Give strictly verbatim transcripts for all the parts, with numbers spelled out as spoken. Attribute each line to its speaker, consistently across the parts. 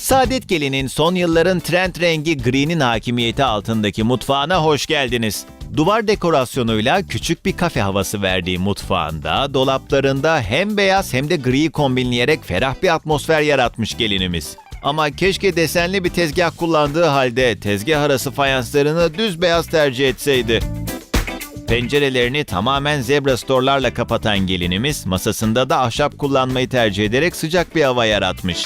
Speaker 1: Saadet Gelin'in son yılların trend rengi gri'nin hakimiyeti altındaki mutfağına hoş geldiniz. Duvar dekorasyonuyla küçük bir kafe havası verdiği mutfağında, dolaplarında hem beyaz hem de griyi kombinleyerek ferah bir atmosfer yaratmış gelinimiz. Ama keşke desenli bir tezgah kullandığı halde tezgah arası fayanslarını düz beyaz tercih etseydi. Pencerelerini tamamen zebra storlarla kapatan gelinimiz, masasında da ahşap kullanmayı tercih ederek sıcak bir hava yaratmış.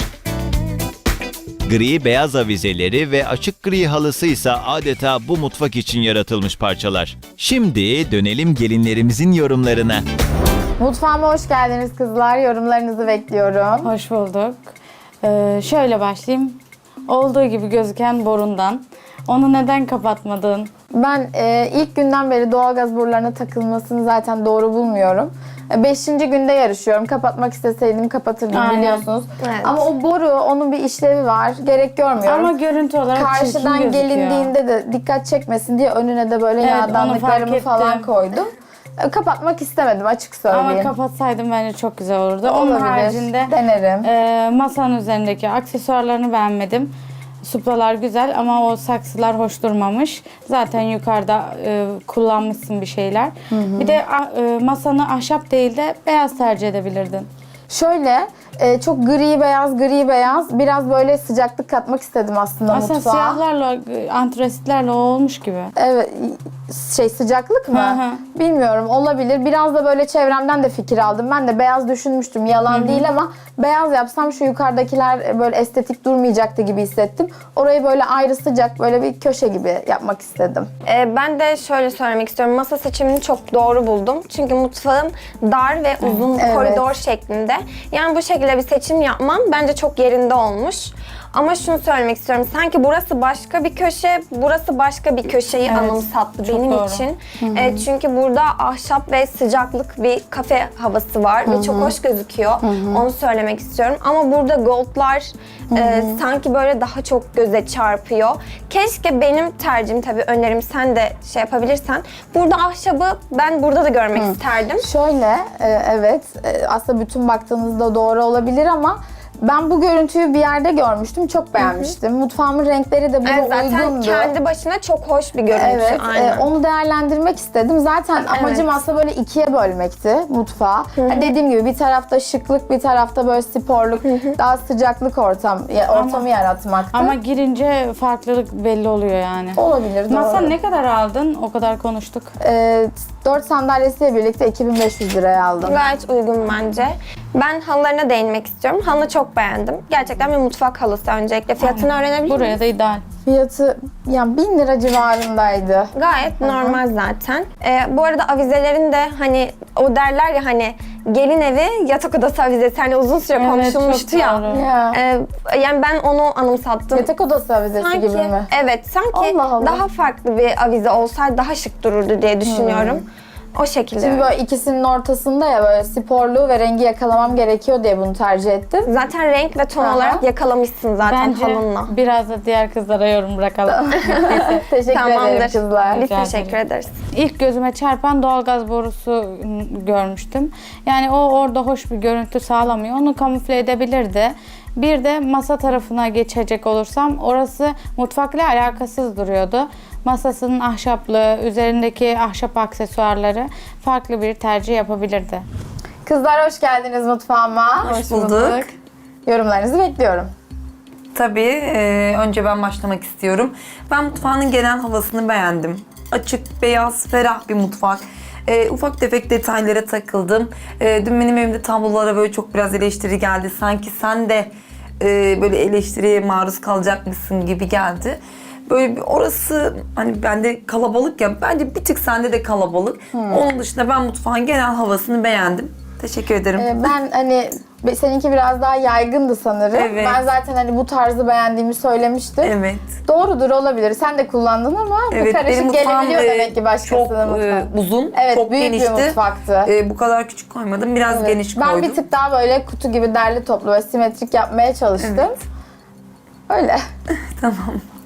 Speaker 1: Gri beyaz avizeleri ve açık gri halısı ise adeta bu mutfak için yaratılmış parçalar. Şimdi dönelim gelinlerimizin yorumlarına.
Speaker 2: Mutfağıma hoş geldiniz kızlar. Yorumlarınızı bekliyorum.
Speaker 3: Hoş bulduk. Ee, şöyle başlayayım. Olduğu gibi gözüken borundan. Onu neden kapatmadın?
Speaker 2: Ben e, ilk günden beri doğalgaz borularına takılmasını zaten doğru bulmuyorum. E, Beşinci günde yarışıyorum. Kapatmak isteseydim kapatırdım
Speaker 3: Aynen.
Speaker 2: biliyorsunuz.
Speaker 4: Evet.
Speaker 2: Ama o boru, onun bir işlevi var. Gerek görmüyorum.
Speaker 3: Ama görüntü olarak çirkin
Speaker 2: Karşıdan
Speaker 3: gözüküyor.
Speaker 2: gelindiğinde de dikkat çekmesin diye önüne de böyle
Speaker 3: Evet, onu fark
Speaker 2: yağdanlıklarımı falan
Speaker 3: ettim.
Speaker 2: koydum. E, Kapatmak istemedim açık söyleyeyim.
Speaker 3: Ama kapatsaydım bence çok güzel olurdu. Onun
Speaker 2: Olabilir.
Speaker 3: haricinde
Speaker 2: Denerim.
Speaker 3: e, masanın üzerindeki aksesuarlarını beğenmedim. Suplalar güzel ama o saksılar hoş durmamış. Zaten yukarıda e, kullanmışsın bir şeyler. Hı hı. Bir de ah, e, masanı ahşap değil de beyaz tercih edebilirdin.
Speaker 2: Şöyle e, çok gri beyaz gri beyaz biraz böyle sıcaklık katmak istedim aslında,
Speaker 3: Aslında
Speaker 2: mutfağa.
Speaker 3: siyahlarla, e, antresitlerle o olmuş gibi.
Speaker 2: Evet, şey sıcaklık mı?
Speaker 3: Hı hı.
Speaker 2: Bilmiyorum, olabilir. Biraz da böyle çevremden de fikir aldım. Ben de beyaz düşünmüştüm, yalan
Speaker 3: Hı hı.
Speaker 2: değil ama beyaz yapsam şu yukarıdakiler böyle estetik durmayacaktı gibi hissettim. Orayı böyle ayrı sıcak böyle bir köşe gibi yapmak istedim.
Speaker 4: Ee, ben de şöyle söylemek istiyorum. Masa seçimini çok doğru buldum. Çünkü mutfağın dar ve uzun
Speaker 2: Evet.
Speaker 4: koridor şeklinde. Yani bu şekilde bir seçim yapmam bence çok yerinde olmuş. Ama şunu söylemek istiyorum. Sanki burası başka bir köşe, burası başka bir köşeyi
Speaker 3: Evet,
Speaker 4: anımsattı
Speaker 3: çok
Speaker 4: benim
Speaker 3: doğru.
Speaker 4: için. E, çünkü burada ahşap ve sıcaklık bir kafe havası var ve çok hoş gözüküyor. Onu söylemek istiyorum. Ama burada goldlar e, sanki böyle daha çok göze çarpıyor. Keşke benim tercihim, tabii önerim, sen de şey yapabilirsen. Burada ahşabı ben burada da görmek isterdim.
Speaker 2: Şöyle, e, evet e, aslında bütün baktığınızda doğru olabilir ama ben bu görüntüyü bir yerde görmüştüm. Çok beğenmiştim. Mutfağımın renkleri de buna
Speaker 4: Evet, zaten
Speaker 2: uygundu.
Speaker 4: kendi başına çok hoş bir görüntü.
Speaker 2: Evet,
Speaker 4: Aynen.
Speaker 2: e, onu değerlendirmek istedim. Zaten amacım aslında böyle ikiye bölmekti mutfağı. Hani dediğim gibi bir tarafta şıklık, bir tarafta böyle sporluk, daha sıcaklık ortam ya, ortamı
Speaker 3: Ama-
Speaker 2: yaratmaktı.
Speaker 3: Ama girince farklılık belli oluyor yani.
Speaker 2: olabilir, doğru.
Speaker 3: Masa ne kadar aldın? O kadar konuştuk.
Speaker 2: E, dört sandalyesiyle birlikte iki bin beş yüz liraya aldım.
Speaker 4: Gayet uygun bence. Ben halılarına değinmek istiyorum. Halını çok beğendim. Gerçekten bir mutfak halısı öncelikle. Fiyatını öğrenebilir miyim?
Speaker 3: Buraya da ideal.
Speaker 2: Fiyatı yani bin lira civarındaydı.
Speaker 4: Gayet normal zaten. Ee, bu arada avizelerin de hani o derler ya hani gelin evi yatak odası avizesi, hani uzun süre
Speaker 3: Evet,
Speaker 4: konuşulmuştu
Speaker 3: çok
Speaker 4: ya.
Speaker 3: doğru.
Speaker 2: Ya.
Speaker 4: Ee, yani ben onu anımsattım.
Speaker 2: Yatak odası avizesi
Speaker 4: sanki,
Speaker 2: gibi mi?
Speaker 4: Evet, sanki
Speaker 2: Allah Allah.
Speaker 4: daha farklı bir avize olsaydı daha şık dururdu diye düşünüyorum. O şekilde.
Speaker 2: Çünkü böyle ikisinin ortasında ya böyle sporluğu ve rengi yakalamam gerekiyor diye bunu tercih ettim.
Speaker 4: Zaten renk ve ton
Speaker 2: Aha.
Speaker 4: olarak yakalamışsın zaten
Speaker 3: Bence
Speaker 4: halınla.
Speaker 3: biraz da diğer kızlara yorum bırakalım.
Speaker 2: Teşekkür ederim
Speaker 4: Tamamdır.
Speaker 2: kızlar.
Speaker 4: Biz
Speaker 3: Rica
Speaker 4: teşekkür
Speaker 3: ederim.
Speaker 4: ederiz.
Speaker 3: İlk gözüme çarpan doğalgaz borusu görmüştüm. Yani o orada hoş bir görüntü sağlamıyor. Onu kamufle edebilirdi. Bir de masa tarafına geçecek olursam orası mutfakla alakasız duruyordu. Masasının ahşaplığı, üzerindeki ahşap aksesuarları farklı bir tercih yapabilirdi.
Speaker 2: Kızlar hoş geldiniz mutfağıma.
Speaker 5: Hoş bulduk.
Speaker 2: Yorumlarınızı bekliyorum.
Speaker 5: Tabii e, önce ben başlamak istiyorum. Ben mutfağının genel havasını beğendim. Açık, beyaz, ferah bir mutfak. E, ufak tefek detaylara takıldım. E, dün benim evimde tablolara böyle çok biraz eleştiri geldi. Sanki sen de e, böyle eleştiriye maruz kalacakmışsın gibi geldi. Böyle bir orası hani bende kalabalık ya, bence bir tık sende de kalabalık. Onun dışında ben mutfağın genel havasını beğendim. Teşekkür ederim.
Speaker 2: Ee, ben hani be- seninki biraz daha yaygındı sanırım.
Speaker 5: Evet.
Speaker 2: Ben zaten hani bu tarzı beğendiğimi söylemiştim.
Speaker 5: Evet.
Speaker 2: Doğrudur, olabilir. Sen de kullandın ama bu
Speaker 5: Evet, benim
Speaker 2: karışık
Speaker 5: mutfağım
Speaker 2: gelebiliyor
Speaker 5: e,
Speaker 2: demek ki başkasının
Speaker 5: çok e,
Speaker 2: mutfağı.
Speaker 5: uzun,
Speaker 2: Evet,
Speaker 5: çok
Speaker 2: büyük
Speaker 5: genişti.
Speaker 2: bir mutfaktı.
Speaker 5: E, bu kadar küçük koymadım, biraz
Speaker 2: Evet.
Speaker 5: geniş
Speaker 2: Ben
Speaker 5: koydum.
Speaker 2: bir tık daha böyle kutu gibi derli toplu ve simetrik yapmaya çalıştım.
Speaker 5: Evet.
Speaker 2: Öyle.
Speaker 5: Tamam.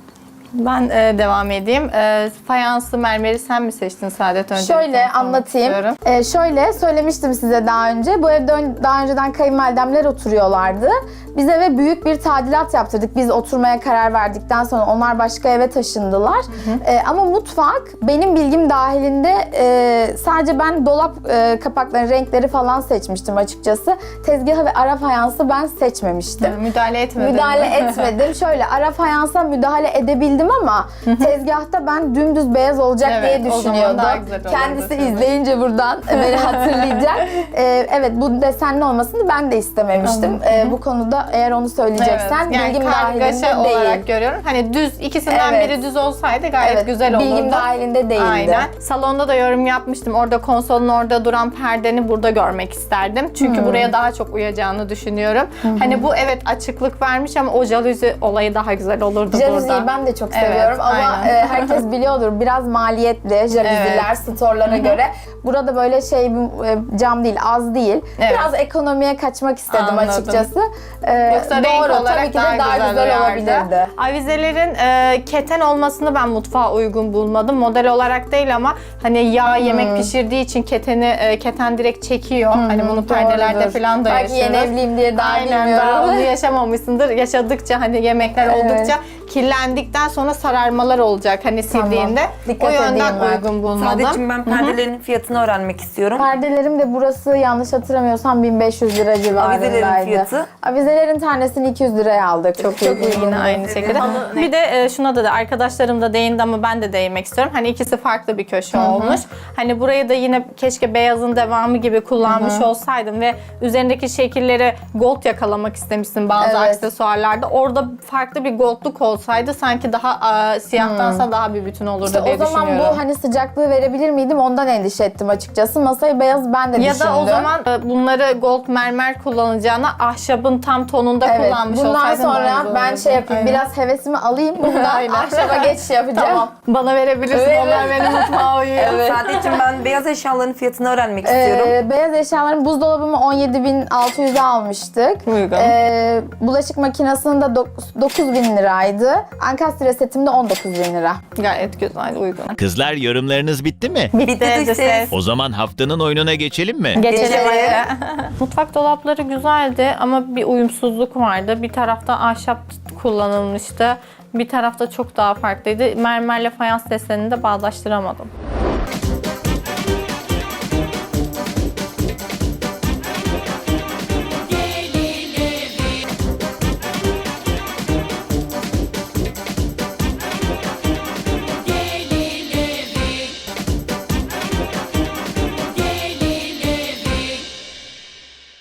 Speaker 6: Ben e, devam edeyim. E, fayanslı mermeri sen mi seçtin Saadet? Önce
Speaker 2: Şöyle anlatayım. Ee, şöyle söylemiştim size daha önce. Bu evde ön- daha önceden kayınvalidemler oturuyorlardı. Biz eve büyük bir tadilat yaptırdık. Biz oturmaya karar verdikten sonra onlar başka eve taşındılar. Ee, ama mutfak benim bilgim dahilinde e, sadece ben dolap e, kapaklarının renkleri falan seçmiştim açıkçası. Tezgahı ve ara fayansı ben seçmemiştim.
Speaker 6: Müdahale etmedin
Speaker 2: Müdahale
Speaker 6: mi?
Speaker 2: etmedim. Şöyle ara fayansa müdahale edebildim ama tezgahta ben dümdüz beyaz olacak
Speaker 6: Evet,
Speaker 2: diye
Speaker 6: o zaman
Speaker 2: düşünüyordum.
Speaker 6: daha güzel olurdu
Speaker 2: Kendisi
Speaker 6: tabii.
Speaker 2: izleyince buradan beni hatırlayacak. Ee, evet bu desenli olmasını ben de istememiştim. Ee, bu konuda eğer onu söyleyeceksen
Speaker 6: Evet, yani
Speaker 2: bilgim
Speaker 6: kargaşa
Speaker 2: dahilinde
Speaker 6: olarak
Speaker 2: değil.
Speaker 6: görüyorum. Hani düz ikisinden
Speaker 2: Evet.
Speaker 6: biri düz olsaydı gayet
Speaker 2: Evet,
Speaker 6: güzel olurdu.
Speaker 2: bilgim dahilinde değildi.
Speaker 6: Aynen. Salonda da yorum yapmıştım. Orada konsolun orada duran perdeni burada görmek isterdim. Çünkü buraya daha çok uyacağını düşünüyorum. Hani bu evet açıklık vermiş ama o jaluzi olayı daha güzel olurdu
Speaker 2: Jaluziyi
Speaker 6: burada.
Speaker 2: ben de çok
Speaker 6: Evet,
Speaker 2: seviyorum ama
Speaker 6: aynen.
Speaker 2: e, herkes biliyordur biraz maliyetli jaluziler
Speaker 6: Evet.
Speaker 2: storlara göre. Burada böyle şey bir e, cam değil, az değil.
Speaker 6: Evet.
Speaker 2: Biraz ekonomiye kaçmak istedim
Speaker 6: Anladım.
Speaker 2: açıkçası. Ee,
Speaker 6: Yoksa
Speaker 2: doğru,
Speaker 6: renk olarak
Speaker 2: tabii ki de
Speaker 6: daha,
Speaker 2: daha
Speaker 6: güzel,
Speaker 2: güzel
Speaker 6: uyardı.
Speaker 2: olabilirdi.
Speaker 6: Avizelerin e, keten olmasını ben mutfağa uygun bulmadım. Model olarak değil ama hani yağ yemek pişirdiği için keteni e, keten direkt çekiyor. Hani bunu perdelerde
Speaker 2: Doğrudur.
Speaker 6: falan da
Speaker 2: Belki
Speaker 6: yaşarız.
Speaker 2: yeni evliyim diye daha
Speaker 6: Aynen,
Speaker 2: bilmiyorum.
Speaker 6: daha onu yaşamamışsındır. Yaşadıkça hani yemekler
Speaker 2: Evet.
Speaker 6: oldukça kirlendikten sonra sararmalar olacak hani sildiğinde.
Speaker 2: Dikkat
Speaker 6: o yönden
Speaker 2: edeyim ben.
Speaker 6: uygun bulmadım.
Speaker 5: Sadece ben perdelerin fiyatını öğrenmek istiyorum.
Speaker 2: Perdelerim de burası yanlış hatırlamıyorsam bin beş yüz lira civarındaydı.
Speaker 5: Avizelerin fiyatı?
Speaker 2: Avizelerin tanesini iki yüz liraya aldık.
Speaker 6: Çok uygun yine aynı şekilde. Bir de e, şuna da, da arkadaşlarım da değindi ama ben de değinmek istiyorum. Hani ikisi farklı bir köşe olmuş. Hani burayı da yine keşke beyazın devamı gibi kullanmış olsaydım ve üzerindeki şekilleri gold yakalamak istemişsin bazı
Speaker 2: Evet.
Speaker 6: aksesuarlarda. Orada farklı bir goldluk olsaydı sanki daha e, siyahtansa daha bir bütün olurdu
Speaker 2: İşte
Speaker 6: diye
Speaker 2: o zaman
Speaker 6: düşünüyorum.
Speaker 2: bu hani sıcaklığı verebilir miydim ondan endişe ettim açıkçası. Masayı beyaz ben de
Speaker 6: Ya
Speaker 2: düşündüm.
Speaker 6: da o zaman e, bunları gold mermer kullanacağına ahşabın tam tonunda
Speaker 2: Evet,
Speaker 6: kullanmış
Speaker 2: bundan
Speaker 6: olsaydın daha
Speaker 2: sonra
Speaker 6: güzel
Speaker 2: ben
Speaker 6: olurdu.
Speaker 2: şey yapayım,
Speaker 6: Aynen.
Speaker 2: biraz hevesimi alayım, bundan
Speaker 6: Aynen.
Speaker 2: ahşaba geçiş yapacağım.
Speaker 6: Tamam. Bana verebilirsin.
Speaker 2: Evet.
Speaker 6: Onlar benim mutfağa uyuyor.
Speaker 5: Sadece ben beyaz eşyaların fiyatını öğrenmek istiyorum.
Speaker 2: Ee, beyaz eşyaların buzdolabımı on yedi bin altı yüze almıştık.
Speaker 6: Uygun.
Speaker 2: Ee, bulaşık makinesinin de dokuz bin liraydı. Ankastre setim de on dokuz bin lira.
Speaker 6: Gayet güzel, uygun.
Speaker 1: Kızlar yorumlarınız bitti mi?
Speaker 5: Bitti
Speaker 6: de
Speaker 5: ses.
Speaker 6: ses.
Speaker 1: O zaman haftanın oyununa geçelim mi?
Speaker 6: Geçelim.
Speaker 2: Geçelim.
Speaker 6: Mutfak dolapları güzeldi ama bir uyumsuzluk vardı. Bir tarafta ahşap kullanılmıştı. Bir tarafta çok daha farklıydı. Mermerle fayans desenini de bağdaştıramadım.